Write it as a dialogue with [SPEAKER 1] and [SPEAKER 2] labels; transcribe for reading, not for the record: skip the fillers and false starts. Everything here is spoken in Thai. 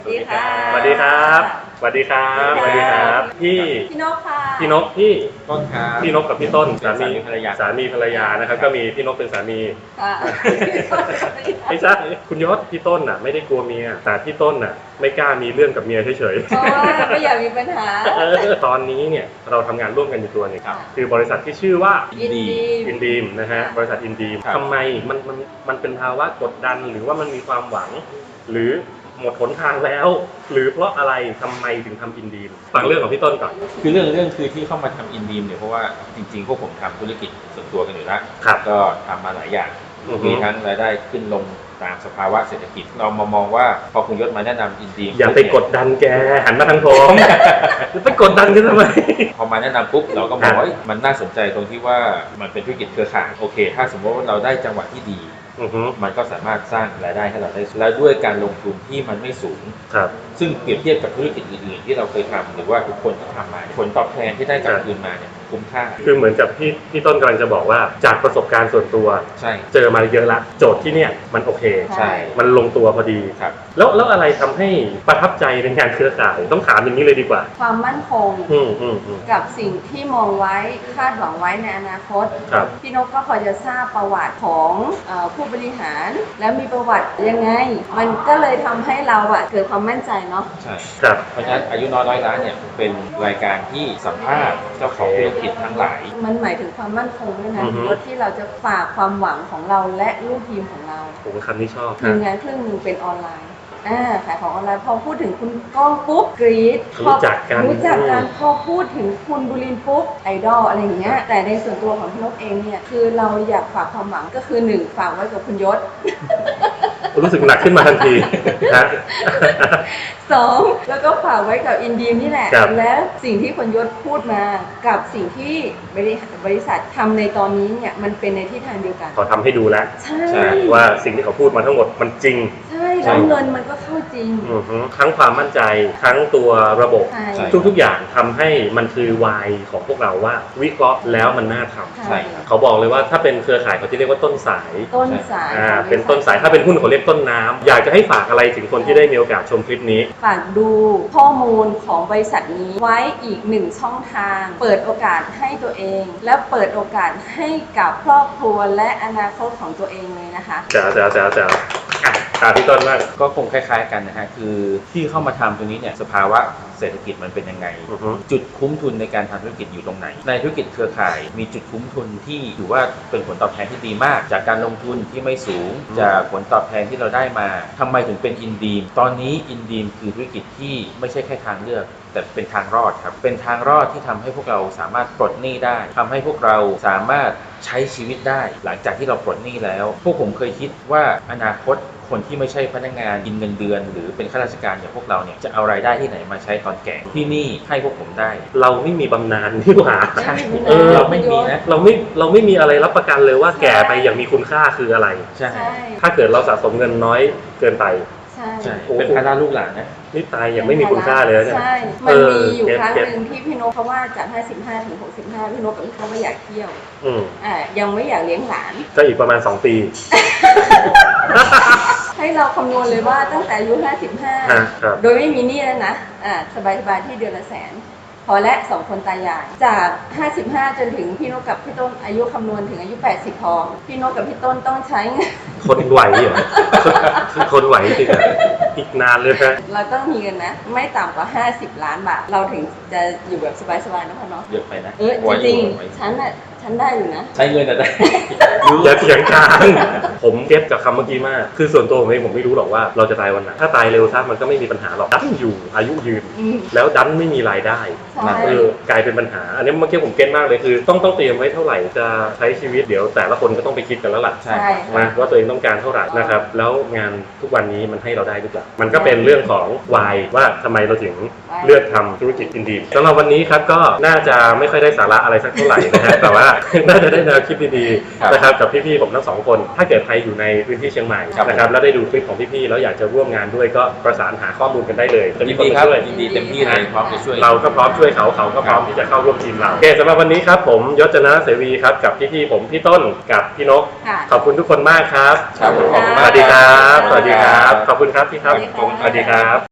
[SPEAKER 1] สวัสดีค่ะ
[SPEAKER 2] สวัสดีครับสวัสดีครับสวัสดีครับ
[SPEAKER 1] พี่นกค่ะ
[SPEAKER 2] พี่นกพี่
[SPEAKER 3] ต้นครับ
[SPEAKER 2] พี่นกกับพี่ต้น
[SPEAKER 3] สามีภรรยา
[SPEAKER 2] สามีภรรยานะครับก็มีพี่นกเป็นสามี
[SPEAKER 1] ค่ะ
[SPEAKER 2] ไม่ใช่คุณยศพี่ต้นน่ะไม่ได้กลัวเมียแต่พี่ต้นน่ะไม่กล้ามีเรื่องกับเมียเฉย
[SPEAKER 1] เพราะว่าไม่อยากมีปัญหา
[SPEAKER 2] ๆตอนนี้เนี่ยเราทำงานร่วมกันอยู่ตัวหนึง
[SPEAKER 1] ครับ
[SPEAKER 2] คือบริษัทที่ชื่อว่า
[SPEAKER 1] ยินดี
[SPEAKER 2] อินดีมนะฮะบริษัทอินดีม
[SPEAKER 3] ครับ
[SPEAKER 2] ทำไมมันเป็นภาวะกดดันหรือว่ามันมีความหวัง หรือหมดหนทางแล้ว หรือเพราะอะไรทำไมถึงทำอินดีมฟังเรื่องของพี่ต้นก่อน
[SPEAKER 3] คือเรื่องคือที่เข้ามาทำอินดีมเนี่ยเพราะว่าจริงๆพวกผมทำธุรกิจส่วนตัวกันอยู่แล้ว
[SPEAKER 2] ครับ
[SPEAKER 3] ก็ทำมาหลายอย่าง
[SPEAKER 2] อือฮึ
[SPEAKER 3] มีทั้งรายได้ขึ้นลงตามสภาวะเศรษฐกิจ เรามามองว่าพอคุณยศมาแนะนำอินดีม
[SPEAKER 2] อย่าไปกดดันแกหันมาทางผมไปกดดันกันทำไม
[SPEAKER 3] พอมาแนะนำปุ๊บเราก็มองว่าเอ้ยมันน่าสนใจตรงที่ว่ามันเป็นธุรกิจเครือข่ายโอเค ถ้าสมมติว่าเราได้จังหวะที่ดี
[SPEAKER 2] อือฮึ
[SPEAKER 3] มันก็สามารถสร้างรายได้ให้เราได้แล้วด้วยการลงทุนที่มันไม่สูง
[SPEAKER 2] ครับ
[SPEAKER 3] ซึ่งเปรียบเทียบกับธุรกิจอื่นๆที่เราเคยทำหรือว่าทุกคนที่ทำมาผลตอบแทนที่ได้กลับคืนมาเนี่ยคุ้มค่า
[SPEAKER 2] คือเหมือนกับพี่ต้นกำลังจะบอกว่าจากประสบการณ์ส่วนตัว
[SPEAKER 3] ใช่
[SPEAKER 2] เจอมาเยอะละโจทย์ที่เนี่ยมันโอเค
[SPEAKER 3] ใช่
[SPEAKER 2] มันลงตัวพอดี
[SPEAKER 3] ครับ
[SPEAKER 2] แล้วอะไรทำให้ประทับใจในงานเครือข่ายต้องถามอย่างนี้เลยดีกว่า
[SPEAKER 1] ความมั่นคง
[SPEAKER 2] อืม
[SPEAKER 1] กับสิ่งที่มองไว้คาดหวังไว้ในอนาคต
[SPEAKER 2] ครับ
[SPEAKER 1] พี่นกก็พอจะทราบประวัติของผู้บริหาร แล้วมีประวัติยังไง มันก็เลยทำให้เราเกิดความมั่นใจเนาะ
[SPEAKER 3] ใช่
[SPEAKER 2] ครับ
[SPEAKER 3] เพราะฉะนั้นอายุน้อยร้อยล้านเนี่ยเป็นรายการที่สัมภาษณ์เจ้าของธุรกิจทั้งหลาย
[SPEAKER 1] มันหมายถึงความมั่นคงด้วยนะ
[SPEAKER 2] อือฮึ
[SPEAKER 1] รถที่เราจะฝากความหวังของเราและลูกทีมของเรา
[SPEAKER 2] ผมคำนี้ชอบ
[SPEAKER 1] ทีมงานครึ่งหนึ่งเป็นออนไลน์ขายของออนไลน์พอพูดถึงคุณก้องปุ๊บกรี๊ด
[SPEAKER 2] รู้จักกัน
[SPEAKER 1] รู้จักกันพอพูดถึงคุณบุรินทร์ปุ๊บไอดอลอะไรอย่างเงี้ยแต่ในส่วนตัวของพี่นกเองเนี่ยคือเราอยากฝากความหวังก็คือ1ฝากไว้กับคุณยศ
[SPEAKER 2] รู้สึกหนักขึ้นมาทันทีนะ
[SPEAKER 1] 2แล้วก็ฝากไว้กับอินดีมนี่แหละ
[SPEAKER 2] ครับ
[SPEAKER 1] และสิ่งที่คุณยศพูดมากับสิ่งที่บริษัททำในตอนนี้เนี่ยมันเป็นในทิศทางเดียวกัน
[SPEAKER 2] เขาทำให้ดูแล้ว
[SPEAKER 1] ใช่
[SPEAKER 3] ใช่
[SPEAKER 2] ว่าสิ่งที่เขาพูดมาทั้งหมดมันจริง
[SPEAKER 1] ใช่แล้วเงินมันก็เข้าจริง
[SPEAKER 2] อือฮึทั้งความมั่นใจทั้งตัวระบบ
[SPEAKER 1] ใช่
[SPEAKER 3] ใช่
[SPEAKER 2] ทุกๆอย่างทำให้มันคือวายของพวกเราว่าวิเคราะห์แล้วมันน่าทำ
[SPEAKER 3] ใช่ครับ
[SPEAKER 2] เขาบอกเลยว่าถ้าเป็นเครือข่ายเขาที่เรียกว่าต้นสาย
[SPEAKER 1] ต้นสาย
[SPEAKER 2] เป็นต้นสายถ้าเป็นหุ้นเขาเรียกต้นน้ำอยากจะให้ฝากอะไรถึงคนที่ได้มีโอกาสชมคลิปนี้
[SPEAKER 1] ฝากดูข้อมูลของบริษัทนี้ไว้อีก1ช่องทาง เปิดโอกาสให้ตัวเอง และเปิดโอกาสให้กับครอบครัวและอนาคตของตัวเองเลยนะคะ
[SPEAKER 2] จ๋าตามพี่ต้นมาก
[SPEAKER 3] ก็คงคล้ายๆกันนะฮะคือที่เข้ามาทำตรงนี้เนี่ยสภาวะเศรษฐกิจมันเป็นยังไง
[SPEAKER 2] อือฮึ
[SPEAKER 3] จุดคุ้มทุนในการทำธุรกิจอยู่ตรงไหน ในธุรกิจเครือข่ายมีจุดคุ้มทุนที่ถือว่าเป็นผลตอบแทนที่ดีมาก จากการลงทุนที่ไม่สูง จากผลตอบแทนที่เราได้มาทำไมถึงเป็นอินดีมตอนนี้อินดีมคือธุรกิจที่ไม่ใช่แค่ทางเลือก แต่เป็นทางรอดครับเป็นทางรอดที่ทำให้พวกเราสามารถปลดหนี้ได้ทำให้พวกเราสามารถใช้ชีวิตได้ หลังจากที่เราปลดหนี้แล้ว พวกผมเคยคิดว่าอนาคตคนที่ไม่ใช่พนักงานกินเงินเดือน หรือเป็นข้าราชการอย่างพวกเราเนี่ยจะเอารายได้ที่ไหนมาใช้ตอนแก่ที่นี่ให้พวกผมได้
[SPEAKER 2] เราไม่มีบำนาญนี่หว่า
[SPEAKER 3] ใช่
[SPEAKER 2] เราไม่มี
[SPEAKER 3] นะ
[SPEAKER 2] เราไม่มีอะไรรับประกันเลยว่าแก่ไปอย่างมีคุณค่าคืออะไร
[SPEAKER 3] ใช่
[SPEAKER 1] ใช่
[SPEAKER 2] ถ้าเกิดเราสะสมเงินน้อยเกินไป
[SPEAKER 1] ใช่
[SPEAKER 3] ใช่เป็นภาระลูกหลานนะ
[SPEAKER 2] นี่ตายอย่างไม่มีคุณค่าเลยนะเนี่ย
[SPEAKER 1] ใช่ มันมีอยู่
[SPEAKER 2] เก็บ
[SPEAKER 1] ครั้งหนึ่งที่พี่นกเขาว่าจาก 55 ถึง 65 พี่นกกับพี่เขาไม่อยากเที่ยว
[SPEAKER 2] อืม
[SPEAKER 1] ยังไม่อยากเลี้ยงหลาน
[SPEAKER 2] ก็อีกประมาณ 2 ปี
[SPEAKER 1] ให้เราคำนวณเลยว่าตั้งแต่อายุ
[SPEAKER 2] ครับ
[SPEAKER 1] 55 โดยไม่มีหนี้แล้วนะสบายๆที่เดือนละแสน พอและ2คนตายาย จาก 55 จนถึงพี่นกกับพี่ต้นอายุคำนวณถึงอายุ 80 พอ พี่นกกับพี่ต้นต้องใช้เงิน
[SPEAKER 2] คนไหวเหรอ คนไหวจริงอะอีกนานเลยนะ
[SPEAKER 1] เราต้องมีเงินนะ ไม่ต่ำกว่า 50 ล้านบาท เราถึงจะอยู่แบบสบายๆนะพ่อเนาะ
[SPEAKER 3] เยอะไปนะ
[SPEAKER 1] จริง
[SPEAKER 3] ไว้
[SPEAKER 1] ๆฉันได้อยู่นะ
[SPEAKER 3] ใช้เงินแต่ได้
[SPEAKER 2] อย่าเถียงกันผมเก็บกับคำเมื่อกี้มาก คือส่วนตัวผมเองผมไม่รู้หรอกว่าเราจะตายวันไหน ถ้าตายเร็วซะมันก็ไม่มีปัญหาหรอก ดันอยู่อายุยืน
[SPEAKER 1] อืม
[SPEAKER 2] แล้วดันไม่มีรายได้
[SPEAKER 1] ใช่
[SPEAKER 2] กลายเป็นปัญหา อันนี้เมื่อกี้ผมเก็ตมากเลยคือ ต้องเตรียมไว้เท่าไหร่จะใช้ชีวิตเดี๋ยวแต่ละคนก็ต้องไปคิดกันแล้วล่ะ
[SPEAKER 3] ใช่
[SPEAKER 1] ใช่
[SPEAKER 2] นะว่าตัวเองต้องการเท่าไหร่นะครับ แล้วงานทุกวันนี้มันให้เราได้หรือเปล่ามันก็เป็นเรื่องของวายว่าทำไมเราถึงเลือกทำธุรกิจอินดีมสำหรับวันนี้ครับก็น่าจะไม่ค่อยได้สาระอะไรสักเท่าไหร่นะฮะ แต่ว่า น่าจะได้แนวคิดดี
[SPEAKER 3] ครับ
[SPEAKER 2] ๆนะครับกับพี่ๆผมทั้งสองคน ถ้าเกิดใครอยู่ในพื้นที่เชียงใหม่
[SPEAKER 3] ครับ
[SPEAKER 2] นะครับแล้วได้ดูคลิปของพี่ๆแล้วอยากจะร่วมงานด้วยก็ประสานหาข้อมูลกันได้เลยจะมี
[SPEAKER 3] ยิน
[SPEAKER 2] คน
[SPEAKER 3] ดี
[SPEAKER 2] มา
[SPEAKER 3] ครับ
[SPEAKER 2] ช่วย
[SPEAKER 3] ยินดีเต็มที่เลยพร้อมจะช่วย
[SPEAKER 2] เราก็พร้อมช่วยเขาก็พร้อมที่จะเข้าร่วมทีมเราโอเคสำหรับวันนี้ครับผมยศจนะเสวีครับกับพี่ๆผมพี่ต้นกับพี่นก
[SPEAKER 1] ค่ะ
[SPEAKER 2] ขอบคุณทุกคนมากครับ
[SPEAKER 3] ครับผมขอบคุณ
[SPEAKER 2] ส
[SPEAKER 3] มาก
[SPEAKER 2] วัสดีครับ
[SPEAKER 1] ส
[SPEAKER 2] ส
[SPEAKER 1] วั
[SPEAKER 2] วั
[SPEAKER 1] ส
[SPEAKER 2] ส
[SPEAKER 1] ดี
[SPEAKER 2] ดี
[SPEAKER 1] ค
[SPEAKER 2] ค
[SPEAKER 1] รั
[SPEAKER 2] รับ บขอบคุณครับพี่ครับ
[SPEAKER 1] สวัสดีครับ
[SPEAKER 2] สวัสดีครับ